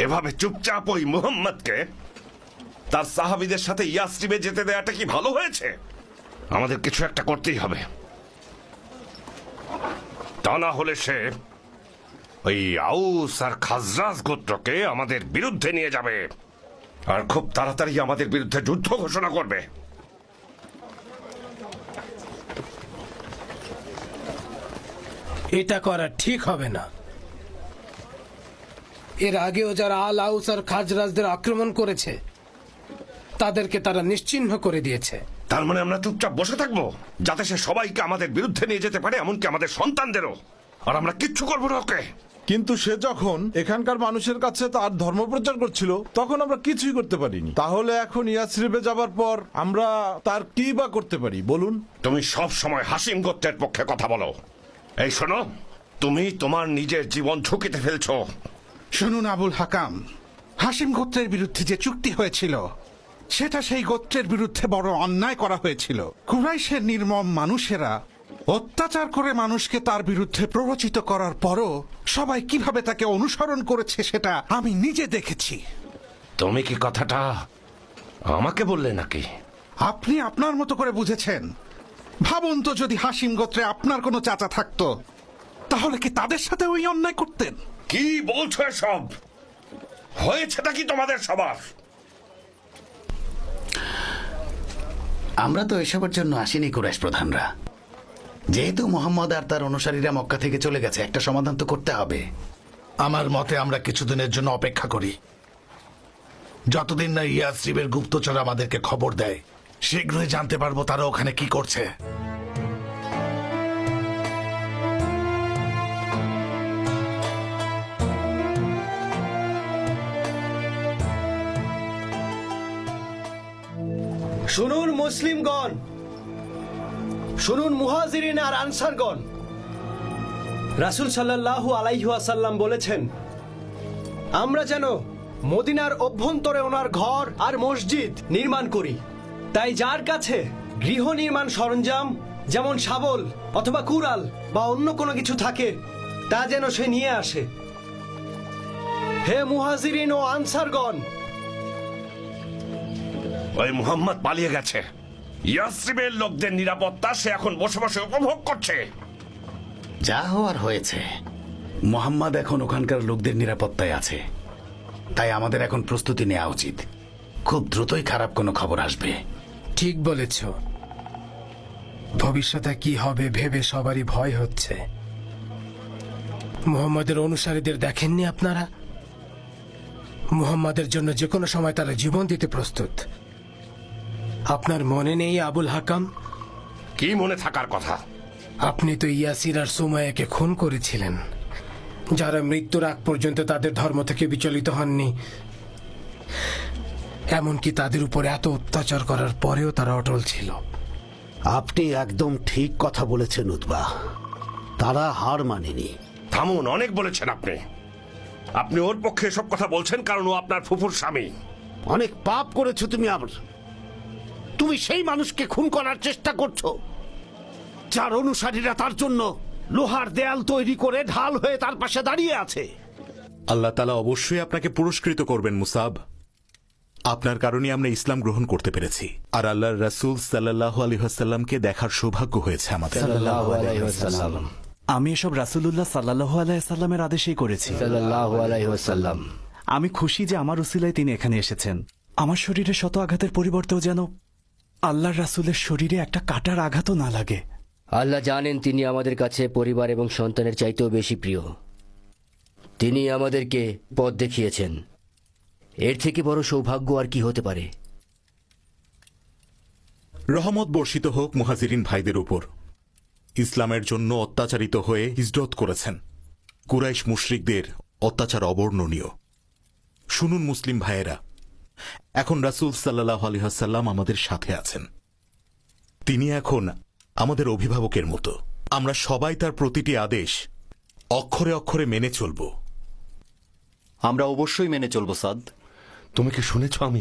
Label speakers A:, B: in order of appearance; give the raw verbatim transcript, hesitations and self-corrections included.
A: এভাবে চুপচাপ ওই মুহাম্মদকে তার সাহাবীদের সাথে ইয়াসরিবে যেতে দেওয়াটা কি ভালো হয়েছে? আমাদের কিছু একটা করতেই হবে, তা না হলে সে ওই আউস আর খাজরাজ গোত্রকে আমাদের বিরুদ্ধে নিয়ে যাবে আর খুব তাড়াতাড়ি আমাদের বিরুদ্ধে যুদ্ধ ঘোষণা করবে।
B: এটা করা ঠিক হবে না। এর আগেও যারা আল আউস আর খাজরাজদের আক্রমণ করেছে তাদেরকে তারা নিশ্চিহ্ন করে দিয়েছে।
A: তার মানে আমরা চুপচাপ বসে থাকবো যাতে সে সবাইকে আমাদের বিরুদ্ধে নিয়ে যেতে পারে, এমনকি আমাদের সন্তানদেরও, আর আমরা কিচ্ছু করবো না ওকে?
C: কিন্তু সে যখন এখানকার মানুষের কাছে তার ধর্ম প্রচার করছিল তখন আমরা কিছুই করতে পারিনি। তাহলে এখন ইয়াসরিবে যাবার পর আমরা তার কি বা করতে পারি বলুন?
A: তুমি সব সময় হাসিম গোত্রের পক্ষে কথা বলো। এই শোনো, তুমি তোমার নিজের জীবন ঝুঁকিতে ফেলছো।
D: শুনুন আবুল হাকাম, হাসিম গোত্রের বিরুদ্ধে যে চুক্তি হয়েছিল সেটা সেই গোত্রের বিরুদ্ধে বড় অন্যায় করা হয়েছিল। কুরাইশের নির্মম মানুষেরা অত্যাচার করে মানুষকে তার বিরুদ্ধে প্ররোচিত করার পরও সবাই কিভাবে তাকে অনুসরণ করেছে সেটা আমি নিজে দেখেছি।
A: তুমি কি কথাটা আমাকে বললে নাকি?
D: আপনি আপনার মতো করে বুঝেছেন। ভাবুন তো, যদি হাসিম গোত্রে আপনার কোনো চাচা থাকতো তাহলে কি তাদের সাথে ওই অন্যায় করতেন?
A: কি বলছো এসব? হয়েছেটা কি তোমাদের সবার?
E: আমরা তো এসবের জন্য আসিনি কুরাইশ প্রধানরা। যেহেতু মোহাম্মদ আর তার অনুসারীরা মক্কা থেকে চলে গেছে, একটা সমাধান তো করতে হবে।
F: আমার মতে আমরা কিছুদিনের জন্য অপেক্ষা করি, যতদিন না ইয়াসরিবের গুপ্তচর আমাদেরকে খবর দেয়। শীঘ্রই জানতে পারবো তারা ওখানে কি করছে।
G: শুনুন মুসলিমগণ, শুনুন মুহাজিরিন আর আনসারগণ। রাসূল সাল্লাল্লাহু আলাইহি ওয়াসাল্লাম বলেছেন, আমরা যেন মদিনার অভ্যন্তরে ওনার ঘর আর মসজিদ নির্মাণ করি। তাই যার কাছে গৃহ নির্মাণ সরঞ্জাম যেমন শাবল অথবা কুড়াল বা অন্য কোনো কিছু থাকে তা যেন সে নিয়ে আসে। হে মুহাজিরিন ও আনসারগণ,
A: ওই মুহাম্মদ পালিয়ে গেছে। ইয়াসরিবের লোকদের নিরাপত্তা সে এখন বসে বসে উপভোগ করছে।
E: যা হওয়ার হয়েছে। মোহাম্মদ এখন ওখানকার লোকদের নিরাপত্তায় আছে, তাই আমাদের এখন প্রস্তুতি নেওয়া উচিত। খুব দ্রুতই খারাপ কোনো খবর আসবে।
B: ঠিক বলেছ। ভবিষ্যতে কি হবে ভেবে সবারই ভয় হচ্ছে। মুহাম্মাদের অনুসারীদের দেখেননি আপনারা? মুহাম্মাদের জন্য যে কোনো সময় তারা জীবন দিতে প্রস্তুত। আপনার মনে নেই আবুল হাকাম?
A: কি মনে থাকার কথা?
B: আপনি তো ইয়াসির আর সুমাইয়াকে খুন করেছিলেন, যারা মৃত্যুর আগ পর্যন্ত তাদের ধর্ম থেকে বিচলিত হননি। এমনকি তাদের উপরে এত অত্যাচার করার পরেও তারা অটল ছিল।
H: আপনি একদম ঠিক কথা বলেছেন উতবা, তারা হার মানেনি।
A: থামুন, অনেক বলেছেন আপনি। আপনি ওর পক্ষে এসব কথা বলছেন কারণ ও আপনার ফুফুর স্বামী।
H: অনেক পাপ করেছো তুমি। আবার তুমি সেই মানুষকে খুন করার চেষ্টা করছো যার অনুসারীরা তার জন্য লোহার দেয়াল তৈরি করে ঢাল হয়ে তার পাশে দাঁড়িয়ে আছে।
I: আল্লাহ তাআলা অবশ্যই আপনাকে পুরস্কৃত করবেন মুসাব। আপনার কারণে আমরা ইসলাম গ্রহণ করতে পেরেছি, আর আল্লাহর রাসূল সাল্লাল্লাহু আলাইহি ওয়াসাল্লামকে দেখার সৌভাগ্য হয়েছে আমাদের।
J: সাল্লাল্লাহু আলাইহি ওয়াসাল্লাম।
K: আমি এসব রাসূলুল্লাহ সাল্লাল্লাহু আলাইহি সাল্লামের আদেশেই করেছি।
J: সাল্লাল্লাহু আলাইহি ওয়াসাল্লাম।
K: আমি খুশি যে আমার উসিলায় তিনি এখানে এসেছেন। আমার শরীরে শত আঘাতের পরিবর্তেও যেন আল্লাহর রাসূলের শরীরে একটা কাটার আঘাতও না লাগে।
J: আল্লাহ জানেন তিনি আমাদের কাছে পরিবার এবং সন্তানের চাইতেও বেশি প্রিয়। তিনি আমাদেরকে পথ দেখিয়েছেন। এর থেকে বড় সৌভাগ্য আর কি হতে পারে?
I: রহমত বর্ষিত হোক মুহাজিরিন ভাইদের উপর। ইসলামের জন্য অত্যাচারিত হয়ে হিজরত করেছেন। কুরাইশ মুশরিকদের অত্যাচার অবর্ণনীয়। শুনুন মুসলিম ভাইয়েরা, এখন রাসূল সাল্লাল্লাহু আলাইহি ওয়াসাল্লাম আমাদের সাথে আছেন। তিনি এখন আমাদের অভিভাবকের মতো। আমরা সবাই তার প্রতিটি আদেশ অক্ষরে অক্ষরে মেনে চলব।
L: আমরা অবশ্যই মেনে চলব সাদ।
A: তুমি কি শুনেছ আমি